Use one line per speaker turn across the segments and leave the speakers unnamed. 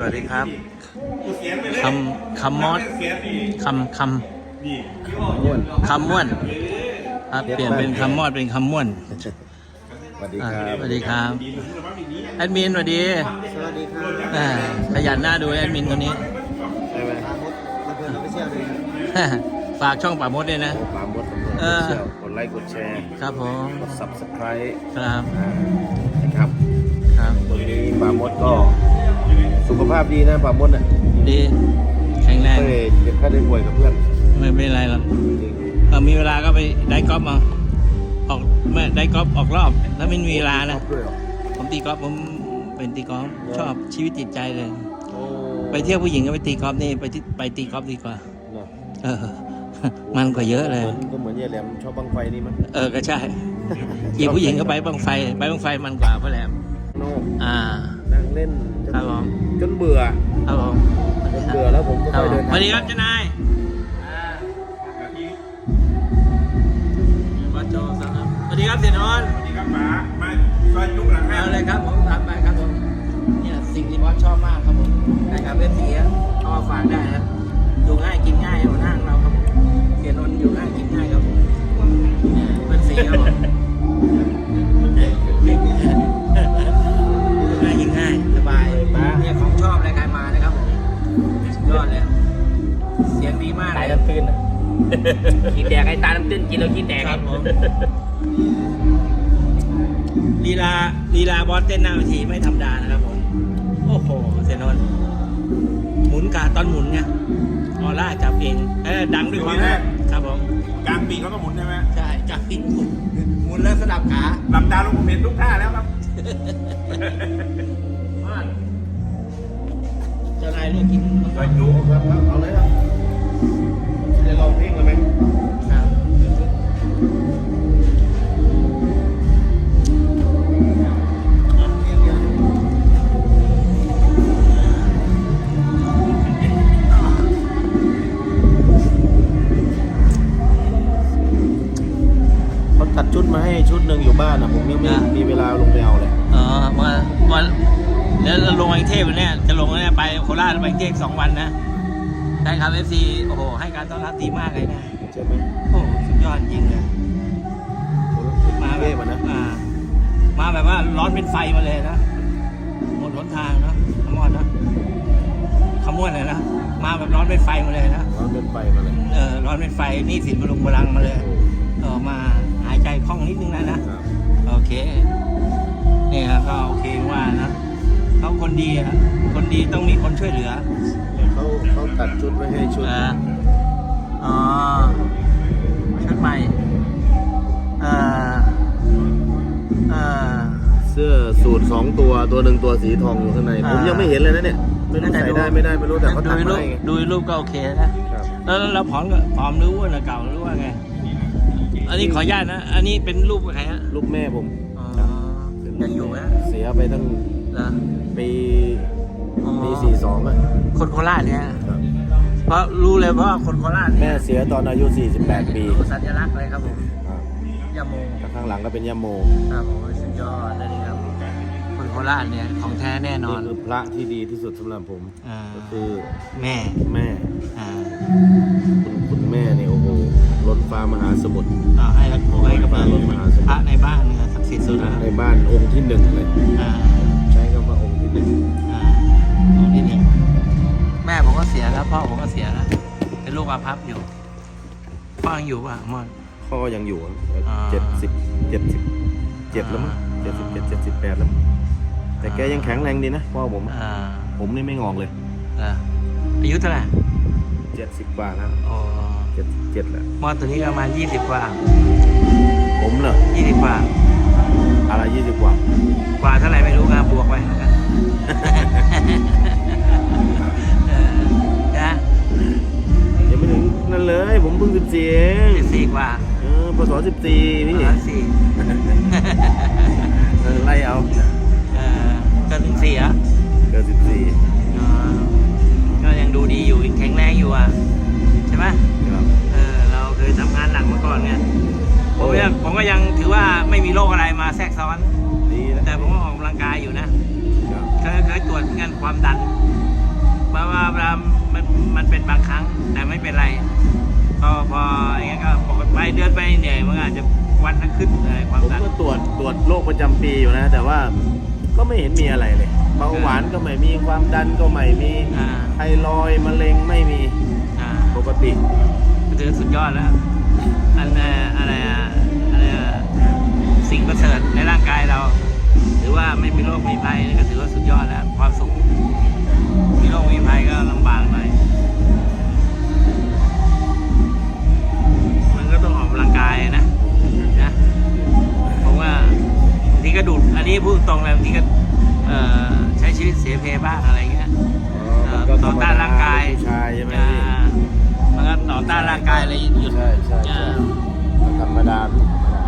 วัสดีครับคำมอดคำม่วนครับเปลี่ยนเป็นคำมอดเป็นคำม่วน
สวัสดีครับ
สวัสดีครับแอดมินสวัสดี
สวัสดีครับ
ขยันหน้าดูแอดมินคนนี้
ใช่ไหมปามดมาเพื่อนเราไปเชี่ยวเลย
ฝากช่องป่ามดด้วยนะ
ปามดกดไลค์กดแชร์
ครับผม
กด subscribe
ครับ
นะครับ
ครับ
ตรงนี้ปามดก็สุขภาพดีนะปามดอ่ะ
ดีแข็งแรง
ไม่ได้เจ็บไข้ได้ป่วยกับเพื่อน
ไม่เป็นไรหรอกมีเวลาก็ไปได้กอล์ฟมาออกไม่ได้กอล์ฟออกรอบถ้าไม่มีเวลานะผมตีกอล์ฟผมเป็นตีกอล์ฟชอบชีวิตจิตใจเลยไปเที่ยวผู้หญิงก็ไปตีกอล์ฟนี่ไปตีกอล์ฟดีกว่ามันกว่าเยอะเลย
ก็เหมือนยายแหลมชอบบังไฟนี่มั้ง
ก็ใช่อีกผู้หญิงก็ไปบังไฟมันกว่าพ่อแหลม
นั่งเล่นจนเบื่อ
ครับผม
จนเบื่อแล้วผมก็ไปเดิน
สวัสดีครับเจ้านายวัดโจสวัสดีครับเสียนนท์
สวัสดีครับป๋ามาซอยจุกหลังห้าง
เลยครับผมทำไปครับผมเนี่ยสิ่งที่บอสชอบมากครับผมได้ครับเว็บเสียเอามาฝากได้ครับอยู่ง่ายกินง่ายบนห้างเราครับผมเสียนนท์อยู่ง่ายกินง่ายครับผมเป็นสีครับผมง่ายกินง่ายสบายเนี่ยของชอบรายการมานะครับผมยอดเลยเสียงดีมาก
ตายน้ำตื้นกินแดกไอ้ตาน้ำตื้นกินแล้วกินแดก
ครับผมลีลาบอสเต้นหน้าเวทีไม่ธรรมดานะครับผมโอ้โหเสียนนท์หมุนกาตอนหมุนเนี่ยออร่าจับเองดังด้วยความครับผม
กลางปีเขาก็หมุนใช่ไหม
ใช่จับปีหมุนแล้วสลับขา
หลับตาลงผมเห็นทุกท่าแล้วครับ
เจ้านายเลือกกิน
ซอยจุก
ครับเอาเลยครับจะลองเพลงเลยไหม
ครับ
ตัดชุดมาให้ชุดหนึ่งอยู่บ้านนะผมยังไม่มีเวลาลงไปเอาเลย
วันแล้วเราลงกรุงเทพเนี่ยจะลงเนี่ยไปโคราชไปกรุงเทพ2 วันนะใช่ครับ FC โอ้โหให้การต้อนรับดีมากเลยนะ
ใช่ไหม
โอ้สุดยอดจริงเลยมาแบบมาแบบว่าร้อนเป็นไฟมาเลยนะหมดหนทางนะขมอนนะขมวนเลยนะมาแบบร้อนเป็นไฟมาเลยนะ
ร้อนเป็นไฟมาเลย
ร้อนเป็นไฟนี่สินมาลงพลังมาเลยมาหายใจคล่องนิดนึงนะโอเคนี่ครับก็โอเคว่านะเขาคนดีอ่ะคนดีต้องมีคนช่วยเหลือ
เขาตัดชุดไว้ให้ชุด
ชุดใหม่
เสื้อสูท2 ตัวหนึ่งตัวสีทองอยู่ข้างในผมยังไม่เห็นเลยนะเนี่ยไม่รู้ใส่ได้ไม่ได้ไม่รู้แต่เขาทำให้
ดูรูปก็โอเคนะแล้วเราผอมหรืออ้วนเก่าหรือว่าไงอันนี้ขออนุญาตนะอันนี้เป็นรูปใครฮะ
รูปแม่ผม
ยังอยู่ไหม
เสียไปตั้งปี42อ่ะ
คนโคราชเนี่ยเพราะรู้เลยว่าคนโคราช
แม่เสียตอนอายุ48 ปี
สัญลักษณ์เลยครับผมยาโม
ข้างหลังก็เป็นยาโม
ครับผมสุดยอดเลยครับคนโคราชเนี่ยของแท้แน่นอน
นี่คือพระที่ดีที่สุดสำหรับผมก็คือ
แม่
คุณแม่เนี่ยโอ้โหล้นฟ้ามหาสมุทร
ให้กับล้นมหาสมุทรพระในบ้านเนี่ยศักดิ์สิทธิ์สุด
ในบ้านองค์ที่1เลยใช้คำว่าองค์ที่1
องค์ที่1แม่ผมก็เสียแล้วพ่อผมก็เสียแล้วเป็นลูกอาภัพอยู่พ่อยังอยู่ป่ะมอน
พ่อยังอยู่77แล้วมั้ง78แล้วแต่แกยังแข็งแรงดีนะพ่อผมนี่ไม่งอกเลย
อายุเท่าไหร่
70 กว่าแล้ว77แล้ว
มอนตัวนี้ประมาณ20 กว่า
ผมเหรอ
20 กว่า
อะไร20 กว่า
เท่าไหร่ไม่รู้ครับบวกไปแล้วกัน
ยังไม่ถึงนั่นเลยผมเพิ่ง
14กว่า
พศ14พี่ไล่เอา
เกิน14อ่ะ
เกิน14
ก็ยังดูดีอยู่แข็งแรงอยู่อ่ะใช่ไหมเราเคยทำงานหนักมาก่อนไงผมก็ยังถือว่าไม่มีโรคอะไรมาแทรกซ้อนแต่ผมก็ออกกำลังกายอยู่นะเคยตรวจงานความดันมันเป็นบางครั้งแต่ไม่เป็นไรพออย่างเงี้ยก็ปกติไปเดินไปเหนื่อยมันอาจจะวันละขึ้นอะไรความ
ผม
ดัน
ก็ตรวจโรคประจำปีอยู่นะ แต่ว่าก็ไม่เห็นมีอะไรเลยเบาหวานก็ไม่มีความดันก็ไม่มี
อ่า
ไทรอยด์มะเร็งไม่มี
อ่า
ปกติ
ถือสุดยอดแล้วอะไรสิ่งประเสริฐในร่างกายเราหรือว่าไม่มีโรคมีภัยนี่ก็ถือว่าสุดยอดแล้วความสุขมีโรคมีภัยก็ลำบากหน่อยมันก็ต้องออกกำลังกายนะผมว่าบางทีก็ดูดอันนี้พูดตรงเลยบางทีก็ใช้ชีวิตเสียเพบ้างอะไรเงี้ย ต่อต้านร่างกาย
ผู้ชายใช่ไหมพี่
มันก็ต่อต้านร่างกายอะไรหยุด
ใช่ธรรมดาพี่ธรรมดา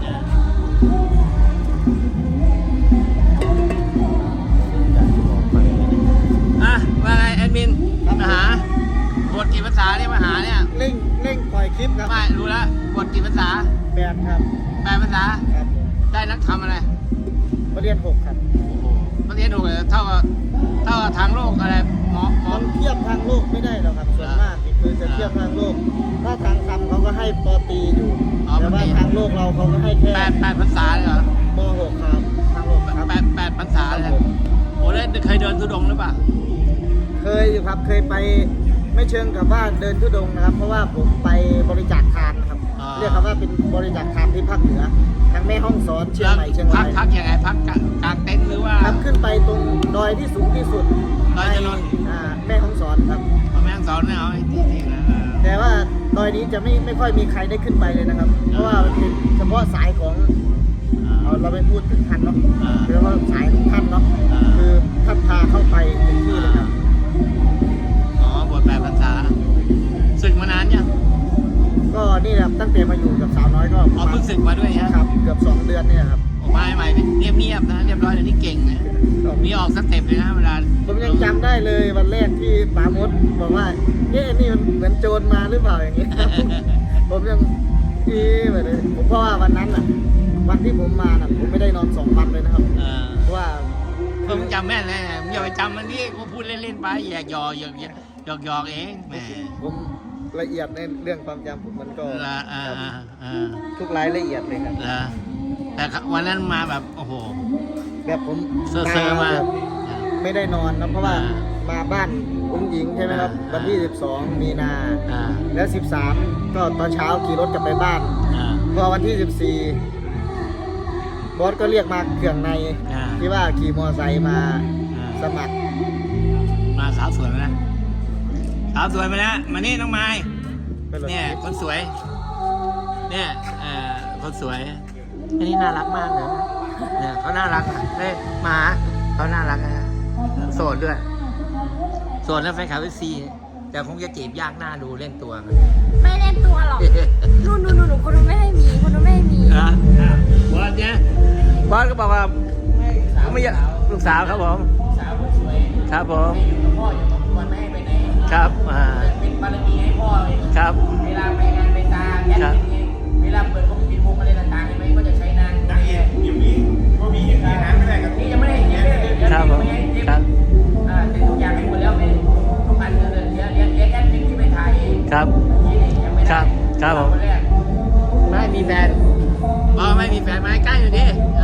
อ่ะว่าไงแอดมินมาหาบทกี่ภาษาเนี่ยมาหาเนี่ย
เร่งปล่อยคลิปครับ
ไม่รู้แล้วบทกี่ภาษา
8ครับ
8 ภาษา
ครับผม
ได้นักทำอะไร
ประเรียน6ครับ
ประเทศถูกเท่ากับทางโลกอะไรหมอ
มันเทียบทางโลกไม่ได้หรอกครับส่วนมากนี่คือจะเทียบทางโลก ถ้าทางธรรมเขาก็ให้ปตรีอยู่ แต่ว่าทางโลกเราเขาก็ให้แค่
8 ภาษาเลยเหรอ
ม6ครับทางโลกครับ
8 ภาษาเลยโอ้แล้วเคยเดินทุดงค์หรือเปล่า
เคยอยู่ครับเคยไปไม่เชิงกับว่าเดินทุดงค์นะครับ เพราะว่าผมไปบริจาคทานนะครับ เรียกคำว่าเป็นบริจาคทานที่ภาคเหนือทางแม่ฮ่องสอนเชียงใหม่เชียงราย
พักยังไงพักกลางเต็นท์หรือว่า
ครับขึ้นไปตรงดอยที่สูงที่สุด
ดอยจรน
แม่ฮ่องสอนครับ
แม่งสอนเนี่ยเอาไอ้ที่นะ
แต่ว่าดอยนี้จะไม่ค่อยมีใครได้ขึ้นไปเลยนะครับ เพราะว่ามันเป็นเฉพาะสายของเราไม่พูดถึงท่านเนาะเรียกว่าสายของท่านเนาะคือท่านพาเข้าไปถึงที่เลยครับ
อ๋อบท8 ภาษาศึกมานานยัง
ก็นี่แหละตั้งแต่มาอยู่กับสาวน้อยก็ประ
อ๋อ
มาณ
เพิ่งศึกมาด้วยฮะ
ครับเกือบ2 เดือนเนี่ยครับ
ออกมาใหม่เงียบๆนะเรียบร้อยเดี๋ยวนี้เก่งนะมีออกสเต็ปเลยนะเวลา
ผมยังจำได้เลยวันแรกที่ป๋ามดบอกว่านี่มันเหมือนโจรมาหรือเปล่าอย่างเงี้ย ผมยังไปเลยผมเพราะว่าวันนั้นอ่ะวันที่ผมมาน่ะผมไม่ได้นอน2 วันเลยนะครับ เพราะว่า
ผมจำแม่นเลยมึงอย่าไปจำมันนี่กูพูดเล่นๆไปแยกหยอกเองแหม
ผมละเอียดในเรื่องความจำผมมันก็
ละ
ครับทุกรายละเอียดเลยครับ
ละแต่วันนั้นมาแบบโอ้โห
แบบผม
เซอร์มา
แบบไม่ได้นอนนะเพราะว่า
อ่า
มาบ้านอุ้งหญิงใช่ไหมครับ
อ่า
วันที่ 12 มีนา
อ่า
แล้ว 13 ก็ตอนเช้าขี่รถกลับไปบ้าน
อ่า
พอวันที่ 14 บอสก็เรียกมาเครื่องใน
อ่า
ที่ว่าขี่มอไซค์มาสมัคร
มาสาวสวยมาแล้วสาวสวยมาแล้วมานี่น้องไม้
ไปเลย
เนี่ยคนสวย เนี่ยคนสวย อันนี้น่ารักมากเลยเนี่ยเขาน่ารักนะเฮ้ยหมาเขาน่ารักนะโสดด้วยโสดแล้วแฟนคลับซีแต่คงจะจีบยากหน้าดูเล่นตัวกัน
ไม่เล่นตัวหรอกนู่นคนนู้นไม่ให้มี คนนู้นไม่ให้มี
บอสเนี่ยบอสก็บอกว่าเขาไม่อยากลูกสาวครับผม
สาวคนสวย
ครับผม
อยู่กับพ่ออยู่กับครัวไม่ให้ไปไหน
ครับ
เป็นบารมีให้พ่อเลย
ครับ
เวลาไปงานไปตาแอดเป็นไงเวลาเปิดพวกปิดวงอะไรต่างๆใช่ไหมก็จะใช้นาง
นักเอกอยู่นี้ก็มีอาหารไม่ได้กับ
นี่ยังไม่ได้เดี๋ยวเดี๋ยว
ครับผม
ไม่ให้เดี๋ยว
ครับ
แต่ทุกอย่างให้หมดแล้วเป็นทุกอันเดี๋ยวแอดเป็นที่ไปถ่ายเอง
ครับ
ที่นี่ยังไม่ได้
ครับผม
วันแรก
ไม่มีแฟนไม่มีแฟนมาใกล้อยู่ดิ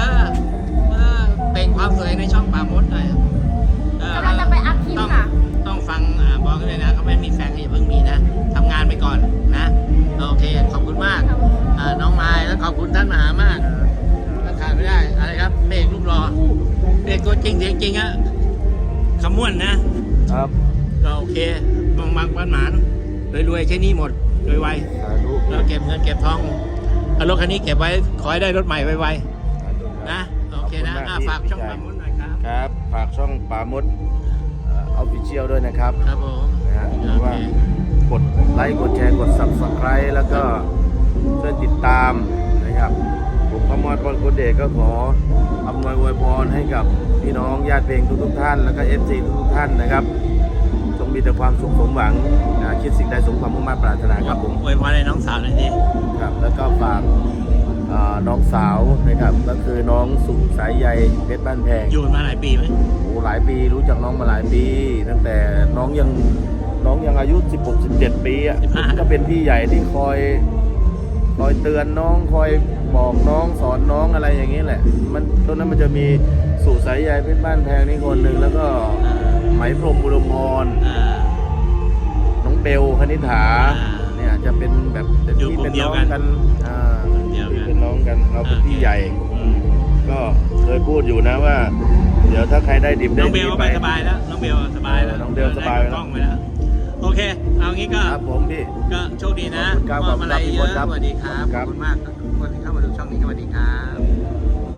เป็นความสวยในช่องป่ามดหน่อย
กำลังจะไปอัพคลิปค่ะ
ต้องฟังบอกกันเลยนะเขาไม่มีแฟนก็อย่าเพิ่งมีนะทำงานไปก่อนนะโอเคขอบคุณมากน้องไม้แล้วขอบคุณท่านมหามากก็ขาดไม่ได้อะไรครับเบรกรูปรอเบรกตัวจริงเสียงจริงอะขม้วนนะครับ ก็โอเคบางปันหมานรวยๆใช้หนี่หมดไวๆ
สาธุ
เราเก็บเงินเก็บทองเอารถคันนี้เก็บไว้ขอให้ได้รถใหม่ไวๆนะโอเคนะฝากช่องปามดหน่อยครับ
ครับ ฝากช่องปามุดออฟฟิเชียลด้วยนะครับ
ครับผม
นะฮะหรือว่ากดไลค์กดแชร์กด Subscribe แล้วก็ช่วยติดตามนะครับผมพมรพรกุลเดชก็ขออำนวยอวยพรให้กับพี่น้องญาติเพลงทุกๆท่านแล้วก็ FC ทุกๆท่านนะครับจงมีแต่ความสุขสมหวังคิดสิ่งใดสมความมุ่งมั่นปรารถนาครับผม
อวยพรให้น้องสาวหน่อยดิ
ครับแล้วก็ฝากน้องสาวนะครับก็คือน้องสุสายใยเพชรบ้านแพง
อยู่มาหลายปีไหม
โอ้หลายปีรู้จักน้องมาหลายปี ตั้งแต่น้องยังน้องยังอายุ 16-17 ปีอ่ะ
15
ก็เป็นพี่ใหญ่ที่คอยเตือนน้องคอยบอกน้องสอนน้องอะไรอย่างนี้แหละ มันตรงนั้นมันจะมีสู่สายใยเพชรบ้านแพงนี่คนหนึ่งแล้วก็ไหมพรหมอุดมพร น้องเบลคณิษฐา เนี่ยจะเป็นแบบเป็น
อยู่
พี่
กลุ่
เป็
ม
น
เดีย
น้
ว
อง
กัน
กัน
เดียวกัน
เป็นน้องกันเราเป็นพี่ใหญ่
อืม
ก็เคยพูดอยู่นะว่า เดี๋ยวถ้าใครได้ดิบได้
น้องเบ
ดี
ล
ไป
ไปสบายแล้ว น้องเบลสบายแล้ว
น้องเบลสบายแล้ว
ได้กล้องไปแล้ว โอเค เอางี้ก็
ครับผมพี่
ก็โชคดีนะ
ขอบคุณครับ
มอบอะไร
ขอบคุณ
เย
ครั
อะ
บ
สวัสดีครับ
ค
ข
รั
อบบ คุณมากทุกคนที่เข้ามาดูช่องนี้สวัสดีครับ